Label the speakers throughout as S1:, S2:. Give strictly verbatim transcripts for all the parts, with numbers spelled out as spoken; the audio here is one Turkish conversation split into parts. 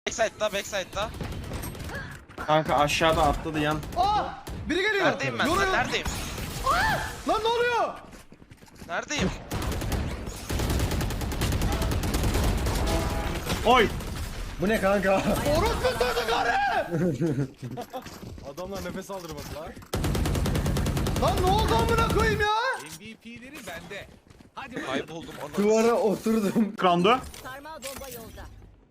S1: Backside'da, backside'da.
S2: Kanka aşağıda atladı yan.
S3: Aa! Biri geliyor.
S1: Neredeyim ben?
S3: Yoruyor.
S1: Neredeyim?
S3: Lan ne oluyor?
S1: Neredeyim?
S2: Oy!
S3: Bu ne kanka? Orospu sözü karı!
S4: Adamlar nefes aldırmadı lan.
S3: Lan ne oldu amına koyayım ya?
S4: M V P'leri bende. Hadi
S1: Kayboldum anasını.
S3: Duvara oturdum.
S2: Krandu.
S5: Sarmal bomba yolda.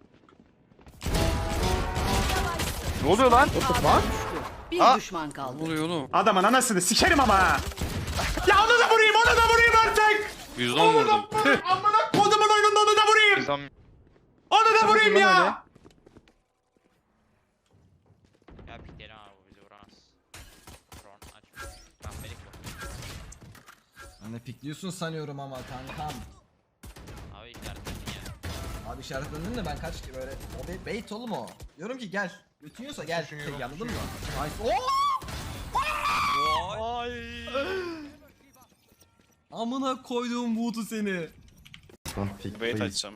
S6: Ne oluyor lan?
S5: Bir
S1: Aa!
S5: düşman kaldı.
S6: Ne oluyor oğlum?
S2: Adamın anasını sikerim ama. ha. Ya onu da vurayım, onu da vurayım artık.
S6: yüz on vurdum.
S2: Amına kodumun oyununda onu da vurayım.
S6: yüz on.
S2: Onu da vurayım ya.
S7: Ya biterim abi bu bizi vuramaz. Drone aç. Ben belik yok.
S3: Anne pikliyorsun sanıyorum ama kankam.
S7: Abi işaretledin ya.
S3: Abi işaretlendin de ben kaç böyle o be bait oğlum o. Diyorum ki gel. Götünüyorsa gel. Şey, anladın mı? Nice. Oo! Amına koyduğum buğdu seni.
S6: Wait açacağım.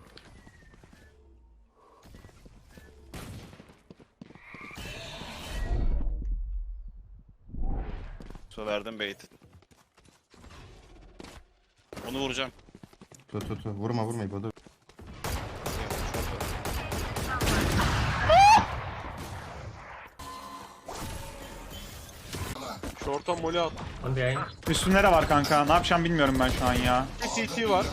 S6: So verdim bait'i. Onu vuracağım.
S8: Tut tut tut. Vurma vurma İbo dur.
S4: Short'a molly at.
S2: Üstünlere var kanka. Ne yapacağım bilmiyorum ben şu an ya.
S4: C T var.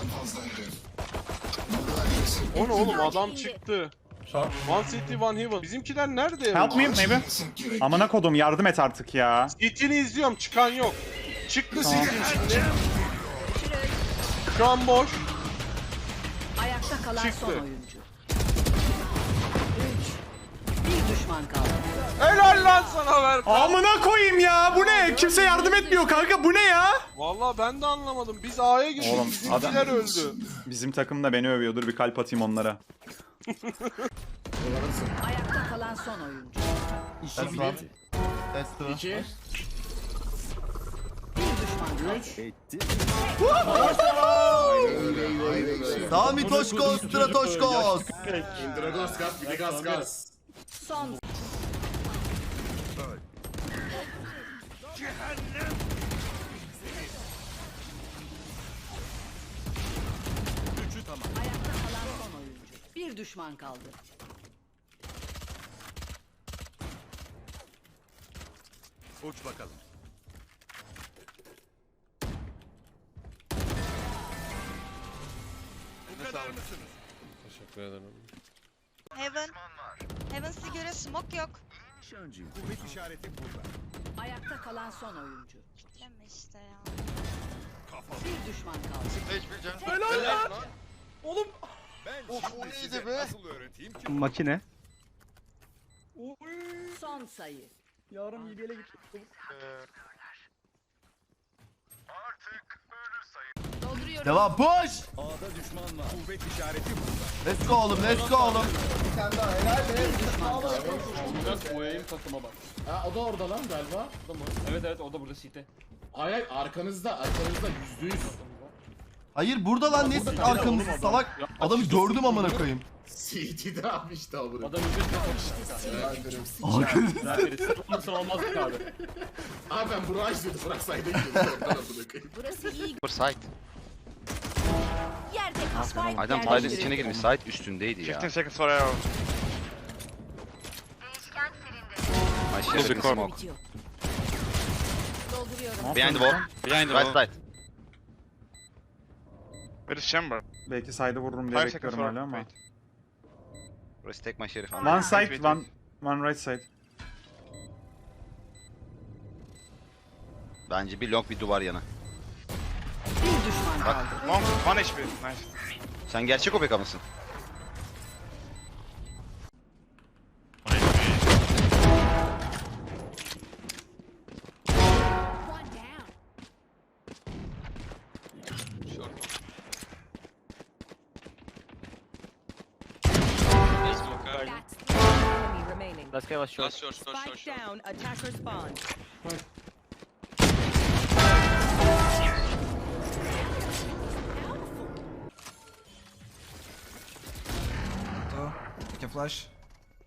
S4: O ne oğlum adam çıktı. One city one heaven. Bizimkiler nerede?
S2: Help me maybe. Amına kodum yardım et artık ya.
S4: C T'ni izliyorum çıkan yok. Çıktı C T'nin şimdi. Şu an boş.
S5: Ayakta kalan
S4: Çıktı.
S5: son oyuncu. Üç. Bir düşman kaldı.
S1: Helal lan sana ver.
S2: Amına koyayım ya. Bu ne? Kimse yardım etmiyor kanka. Bu ne ya?
S4: Vallahi ben de anlamadım. Biz A'ya gittik.
S2: Oğlum,
S4: Bizimkiler
S2: adam-
S4: öldü.
S2: Bizim takım da beni övüyor. Dur bir kalp atayım onlara.
S5: Ayakta kalan son oyuncu.
S8: Test var. Test var.
S5: Bir düşman kaldı.
S8: Sami Toşkos, Stratoşkos.
S5: Son. Ayakta kalan son oyuncu. Bir düşman kaldı.
S4: Uç bakalım. Teşekkür ederim.
S9: Heaven. Heaven size göre smoke yok.
S5: Ayakta kalan son oyuncu.
S9: Kitleme işte ya.
S5: Bir düşman kaldı.
S2: Makine.
S5: Son sayı.
S3: Yarım yedele git.
S5: Dolduruyorum.
S8: Devam push.
S4: A'da düşman var. Kuvvet işareti
S8: Let's go oğlum let's go oğlum.
S3: Bir tane daha helal be.
S5: Bir düşman kaldı.
S4: O aim takıma bak.
S10: Ha o da orada lan galiba. O da mı?
S4: Evet evet o da burada site.
S10: Hayır hayır arkanızda arkanızda yüzde yüz.
S8: Hayır burada lan ne arkamızda salak. Adamı gördüm amına koyayım.
S10: C T'de abi işte o bunu.
S4: Adam ücret
S10: Arkanızda. olmaz abi. Abi ben Burak'ı izliyordum. Burak sayda gidiyordu.
S5: Burası iyi.
S6: Site.
S5: Yerde Spike
S6: Adam side'ın içine girmiş. Site üstündeydi ya.
S7: fifteen seconds for arrow.
S6: Ay şerefin smoke.
S5: bitiyor. Dolduruyorum.
S6: Behind the wall.
S7: Behind the
S6: Right
S7: wall.
S6: side.
S7: Where is chamber?
S2: Belki side'ı vururum diye
S7: Five seconds
S2: bekliyorum
S7: for
S2: öyle ama.
S7: wait.
S6: Burası tek maç şerif.
S2: One side, one, one right side.
S6: Bence bir long bir duvar yana.
S5: Bir düşman kaldı.
S7: Long, one H P. Nice.
S6: Sen gerçek O P K mısın?
S5: One down. That's the enemy remaining.
S7: Let's go, let's short.
S5: Spike down. Attacker spawn.
S3: İki flash.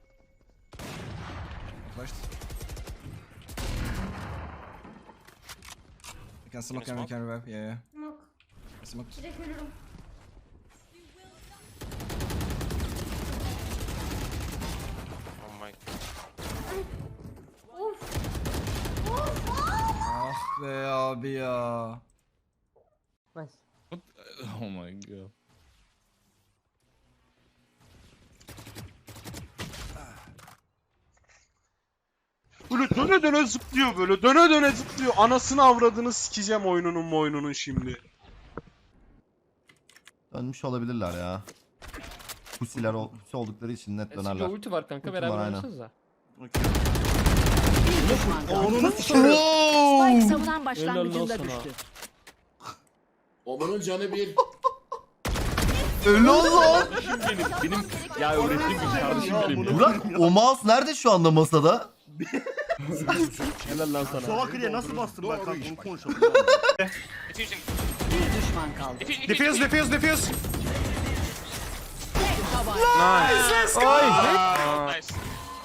S3: flashed. You can smoke and we can revive. Yeah, yeah.
S5: Smoke.
S3: I smoked.
S5: Direkt ölürüm.
S4: Oh my.
S5: Of.
S3: Ah be abi ya.
S2: Oh my god.
S4: Böyle döne döne zıplıyor böyle. Döne döne zıplıyor. Anasını avradını sikeceğim oyununun oyununun şimdi.
S8: Dönmüş olabilirler ya. Pusiler ol, pusi oldukları için net dönerler.
S10: ulti var kanka
S8: Ulti var,
S10: beraber
S8: aynen.
S10: oynasanıza.
S5: Bir düşman kaldı.
S8: Onu nasıl
S5: Spike savunan başlangıcında
S10: Helal lan
S5: düştü.
S10: Omanın canı bir.
S8: Öyle oldu.
S2: Benim, benim ya öğrettiğim bir kardeşim benim ya.
S8: Burak o mouse nerede şu anda masada?
S2: Helal lan sana.
S10: Salaklıya nasıl bastın ben kanka onu konuşalım.
S7: Diffusing.
S5: Bir düşman kaldı.
S7: Diffusing.
S2: Defuse defuse defuse.
S4: Nice.
S2: Let's go.
S7: Nice.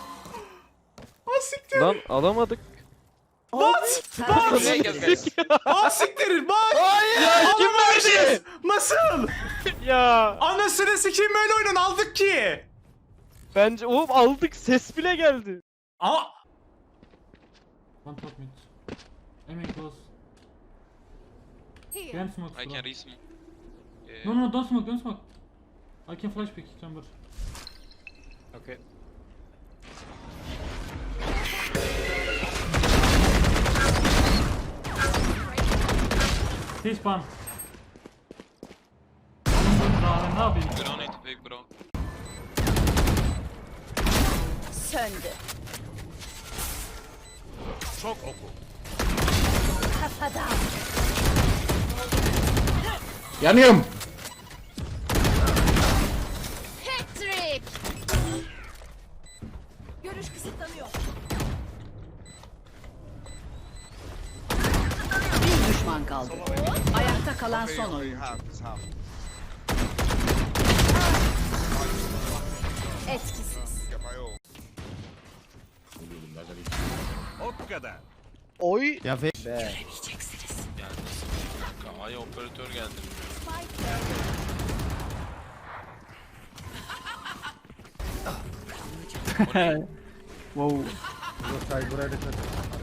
S2: Lan alamadık. What?
S7: Okay, guys, guys.
S2: Aa siktirin bak. Ya kim verdi? Nasıl? Ya. Anasını sikeyim böyle oyunun aldık ki. Bence oğlum aldık ses bile geldi. Aa.
S11: One top mid. Aiming close. Can smoke.
S7: I
S11: bro.
S7: can resm.
S11: No no don't smoke don't smoke. I can flash pick chamber.
S4: Okay.
S11: Stay spawn. Daha ne yapayım?
S7: We don't need to pick, bro.
S5: Söndü.
S4: Çok oku.
S5: Kafadan.
S10: Yanıyorum.
S5: Patrick. Görüş kısıtlanıyor. Bir düşman kaldı. Ayakta kalan son oyuncu. Etkisiz.
S4: Oy.
S8: Ya fe
S7: Ay operatör geldi.
S2: Wow.
S3: Buraya dikkat.